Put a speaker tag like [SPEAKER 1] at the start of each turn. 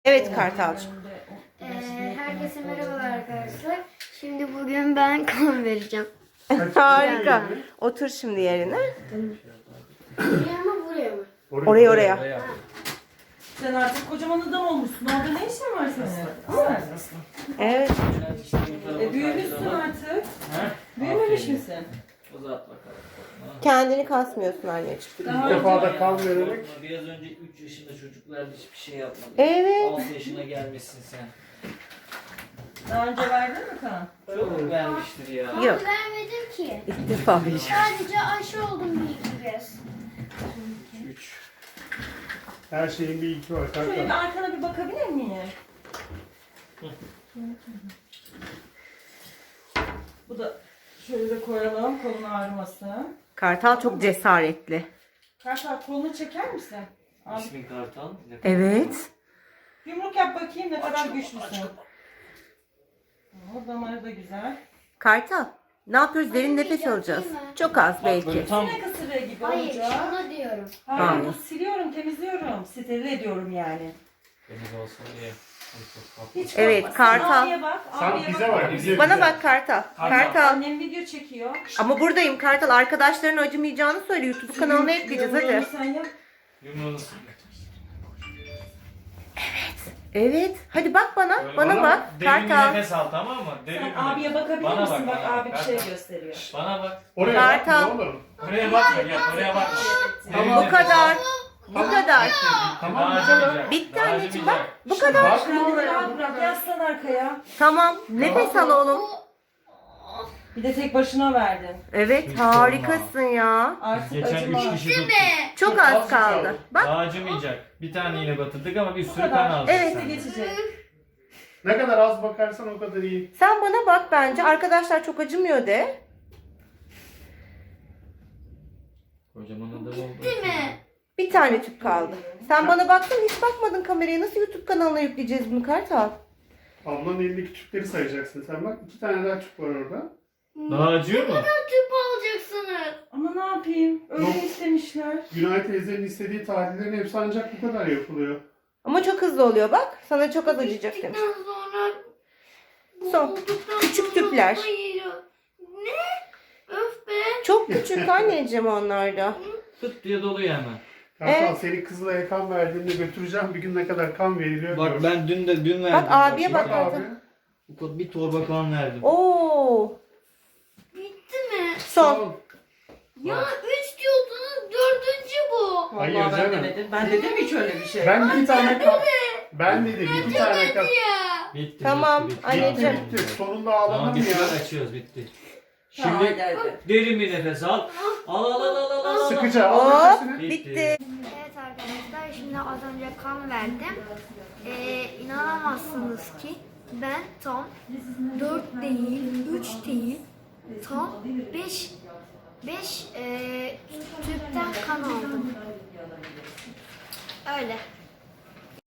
[SPEAKER 1] Evet Kartalcığım.
[SPEAKER 2] Herkese merhabalar arkadaşlar. Şimdi bugün ben kan vereceğim.
[SPEAKER 1] Harika. Otur şimdi yerine.
[SPEAKER 2] Buraya mı buraya mı?
[SPEAKER 1] Oraya.
[SPEAKER 3] Sen artık kocaman adam olmuşsun. Orada ne işin var senin?
[SPEAKER 1] Evet.
[SPEAKER 3] Büyümüşsün artık. Büyümemiş misin?
[SPEAKER 4] Uzat bakalım.
[SPEAKER 1] Kendini kasmıyorsun anneciğim.
[SPEAKER 3] Daha
[SPEAKER 5] İlk defa
[SPEAKER 3] önce-
[SPEAKER 5] da kan vererek.
[SPEAKER 4] Biraz önce 3 yaşında çocuklar hiçbir şey yapmadı.
[SPEAKER 1] Evet.
[SPEAKER 4] 6 yaşına gelmişsin sen.
[SPEAKER 3] Daha önce verdin mi kan?
[SPEAKER 4] Çok vermiştir ya.
[SPEAKER 1] Yok.
[SPEAKER 2] Ben vermedim ki.
[SPEAKER 1] İlk defa vereceğim.
[SPEAKER 2] Sadece aşı oldum bir iki kez.
[SPEAKER 5] 3. Her şeyin bir ilki var.
[SPEAKER 3] Şöyle bir
[SPEAKER 5] Kanka.
[SPEAKER 3] arkana bir bakabilir miyim? Bu da şöyle de koyalım kolun ağrımasın.
[SPEAKER 1] Kartal çok cesaretli.
[SPEAKER 3] Kartal kolunu çeker misin? Abi,
[SPEAKER 4] İsmin Kartal.
[SPEAKER 1] Evet.
[SPEAKER 3] yumruk yap bakayım ne kadar güçlüsün. O damarı da güzel.
[SPEAKER 1] Kartal. Ne yapıyoruz? Derin nefes alacağız. Çok az belki.
[SPEAKER 4] Tam
[SPEAKER 3] Sinek ısırığı gibi
[SPEAKER 2] Hayır,
[SPEAKER 3] olacak.
[SPEAKER 2] şunu diyorum.
[SPEAKER 3] Hayır,
[SPEAKER 1] Hayır.
[SPEAKER 3] bu siliyorum, temizliyorum. Steril ediyorum yani.
[SPEAKER 4] temiz olsun diye.
[SPEAKER 3] Hiç
[SPEAKER 1] Evet,
[SPEAKER 3] korkma.
[SPEAKER 1] Kartal.
[SPEAKER 3] Sen abiye bak.
[SPEAKER 5] Sen
[SPEAKER 3] abiye
[SPEAKER 5] bize
[SPEAKER 3] bak.
[SPEAKER 5] bak. Bize,
[SPEAKER 1] Bana
[SPEAKER 5] bize.
[SPEAKER 1] bak Kartal. Kartal.
[SPEAKER 3] Annem video çekiyor.
[SPEAKER 1] Ama buradayım Kartal. Arkadaşların acımayacağını söyle. YouTube kanalına ekleyeceğiz hadi.
[SPEAKER 3] Yumruğunu sen yap.
[SPEAKER 4] Yumruğunu
[SPEAKER 1] Evet. Hadi bak bana.
[SPEAKER 4] Böyle
[SPEAKER 1] Bana bak.
[SPEAKER 4] Derin bir
[SPEAKER 1] Kartal.
[SPEAKER 4] nefes al, tamam mı? Derin
[SPEAKER 3] Sen
[SPEAKER 4] bir
[SPEAKER 3] abiye
[SPEAKER 4] nefes.
[SPEAKER 3] bakabilir
[SPEAKER 4] Bana
[SPEAKER 3] misin? Bak
[SPEAKER 4] bana
[SPEAKER 3] abi bir şey
[SPEAKER 4] Kartal.
[SPEAKER 3] gösteriyor.
[SPEAKER 4] Bana bak.
[SPEAKER 5] Oraya
[SPEAKER 1] Kartal.
[SPEAKER 5] bak. Ne olur.
[SPEAKER 4] Oraya bakma gel. Oraya bakma. Derin
[SPEAKER 1] Bu
[SPEAKER 4] nefes
[SPEAKER 1] kadar.
[SPEAKER 4] al.
[SPEAKER 1] Bu kadar.
[SPEAKER 5] Tamam,
[SPEAKER 4] Daha
[SPEAKER 5] bu kadar.
[SPEAKER 4] acımayacak.
[SPEAKER 1] Bitti
[SPEAKER 4] Daha
[SPEAKER 1] anneciğim bak.
[SPEAKER 4] acımayacak.
[SPEAKER 1] Bu kadar.
[SPEAKER 5] Bakma
[SPEAKER 3] Kendini
[SPEAKER 5] oraya.
[SPEAKER 3] rahat bırak. Yaslan arkaya.
[SPEAKER 1] Tamam. Nefes al oğlum.
[SPEAKER 3] Bir de tek başına verdin.
[SPEAKER 1] Evet
[SPEAKER 4] Hiç
[SPEAKER 1] harikasın ya.
[SPEAKER 3] Artık
[SPEAKER 4] Geçen
[SPEAKER 3] acıma.
[SPEAKER 4] 3 kişi tuttuk.
[SPEAKER 1] Çok az kaldı. Bak.
[SPEAKER 4] Daha acımayacak. Bir tane iğne batırdık ama bir
[SPEAKER 3] Bu
[SPEAKER 4] sürü kan
[SPEAKER 3] kadar.
[SPEAKER 4] aldık.
[SPEAKER 1] Evet.
[SPEAKER 4] sen.
[SPEAKER 3] Geçecek.
[SPEAKER 5] Ne kadar az bakarsan o kadar iyi.
[SPEAKER 1] Sen bana bak bence. Arkadaşlar çok acımıyor de.
[SPEAKER 4] Kocaman adam oldu.
[SPEAKER 2] Değil mi?
[SPEAKER 1] Bir tane tüp kaldı. Sen bana baktın hiç bakmadın kameraya. Nasıl YouTube kanalına yükleyeceğiz bunu Kartal?
[SPEAKER 5] Ablanın elindeki tüpleri sayacaksın. Sen bak 2 tane daha tüp var orada.
[SPEAKER 4] Daha acıyor mu?
[SPEAKER 2] Tüp alacaksınız.
[SPEAKER 3] Ama ne yapayım? Öyle
[SPEAKER 5] Yok.
[SPEAKER 3] istemişler.
[SPEAKER 5] Günay teyzenin istediği tahlillerin hepsi ancak bu kadar yapılıyor.
[SPEAKER 1] Ama çok hızlı oluyor bak. Sana çok az acıyacak demiş.
[SPEAKER 2] Bittikten sonra
[SPEAKER 1] Son.
[SPEAKER 2] olduktan
[SPEAKER 1] Küçük
[SPEAKER 2] sonra
[SPEAKER 1] tüpler.
[SPEAKER 2] da yiyor. Ne? Öf be.
[SPEAKER 1] Çok küçük anneciğim onlar da.
[SPEAKER 4] Tık diye doluyor hemen.
[SPEAKER 5] Kartal
[SPEAKER 1] Evet.
[SPEAKER 5] seni Kızılay'a kan verdiğimde götüreceğim. Bir gün ne kadar kan veriliyor.
[SPEAKER 4] Bak
[SPEAKER 5] gör.
[SPEAKER 4] ben dün verdim.
[SPEAKER 1] Bak abiye
[SPEAKER 5] Bak
[SPEAKER 1] bak.
[SPEAKER 5] abi.
[SPEAKER 4] Bir torba kan verdim.
[SPEAKER 1] Oo.
[SPEAKER 2] Bitti mi?
[SPEAKER 1] Son.
[SPEAKER 2] Ya 3 diyordunuz 4. bu.
[SPEAKER 5] Hayır
[SPEAKER 3] Vallahi ben
[SPEAKER 5] canım.
[SPEAKER 3] demedim. Ben dedim hiç öyle bir şey.
[SPEAKER 5] Ben 2 tane kan... Ben dedim 2 tane kan...
[SPEAKER 2] Ya.
[SPEAKER 4] Bitti.
[SPEAKER 1] Tamam,
[SPEAKER 4] bitti, bitti.
[SPEAKER 1] anneciğim.
[SPEAKER 5] Bitti. Sonunda
[SPEAKER 4] Tamam
[SPEAKER 5] ağladım
[SPEAKER 4] bitti.
[SPEAKER 5] ya.
[SPEAKER 4] Açıyoruz bitti.
[SPEAKER 3] Tamam,
[SPEAKER 4] Şimdi
[SPEAKER 3] hadi, hadi.
[SPEAKER 4] derin bir nefes al. Al al al al al. al.
[SPEAKER 5] Sıkıca
[SPEAKER 1] Hop.
[SPEAKER 5] al nefesini.
[SPEAKER 1] Bitti.
[SPEAKER 2] Evet arkadaşlar şimdi az önce kan verdim. İnanamazsınız ki ben tam 4 değil, 3 değil, tam 5 tüpten kan aldım. Öyle.